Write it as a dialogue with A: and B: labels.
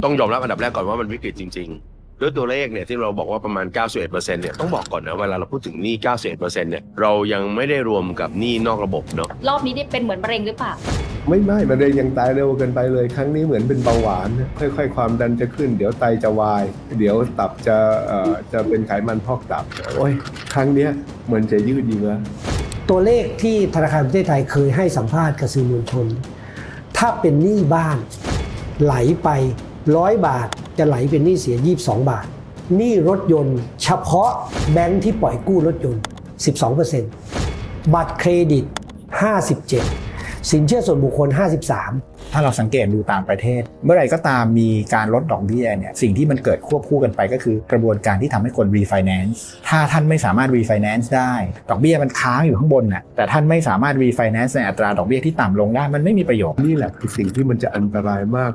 A: ต้องยอมรับอันดับแรกก่อนว่ามันวิกฤตจริงๆด้วยตัวเลขเนี่ยที่เราบอกว่าประมาณ 91%เนี่ยต้องบอกก่อนนะเวลาเราพูดถึงหนี้ 91%เนี่ยเรายังไม่ได้รวมกับหนี้นอกระบบเนาะ
B: รอบนี้ได้เป็นเหมือนมะเร็งหรือเปล่า
C: ไม่มะเร็งยังตายเร็วเกินไปเลยครั้งนี้เหมือนเป็นเบาหวานค่อยๆความดันจะขึ้นเดี๋ยวไตจะวายเดี๋ยวตับจะเป็นไขมันพอกตับโอ้ยครั้งเนี้ยเหมือนจะยืดเยื้อ
D: ตัวเลขที่ธนาคารประเทศไทยเคยให้สัมภาษณ์กับสื่อมวลชน ถ้าเป็นหนี้บ้านไหลไป100 บาทจะไหลเป็นหนี้เสีย22 บาทหนี้รถยนต์เฉพาะแบงค์ที่ปล่อยกู้รถยนต์ 12% บัตรเครดิต 57%สินเชื่อส่วนบุคคล 53%
E: ถ้าเราสังเกตดูต่างประเทศ เมื่อไหร่ก็ตามมีการลดดอกเบี้ยเนี่ยสิ่งที่มันเกิดควบคู่กันไปก็คือกระบวนการที่ทำให้คน refinance ถ้าท่านไม่สามารถ refinance ได้ดอกเบี้ยมันค้างอยู่ข้างบนน่ะแต่ท่านไม่สามารถ refinance ในอัตราดอกเบี้ยที่ต่ำลงได้มันไม่มีประโยชน์
C: นี่แหละคือสิ่งที่มันจะอันตรายมาก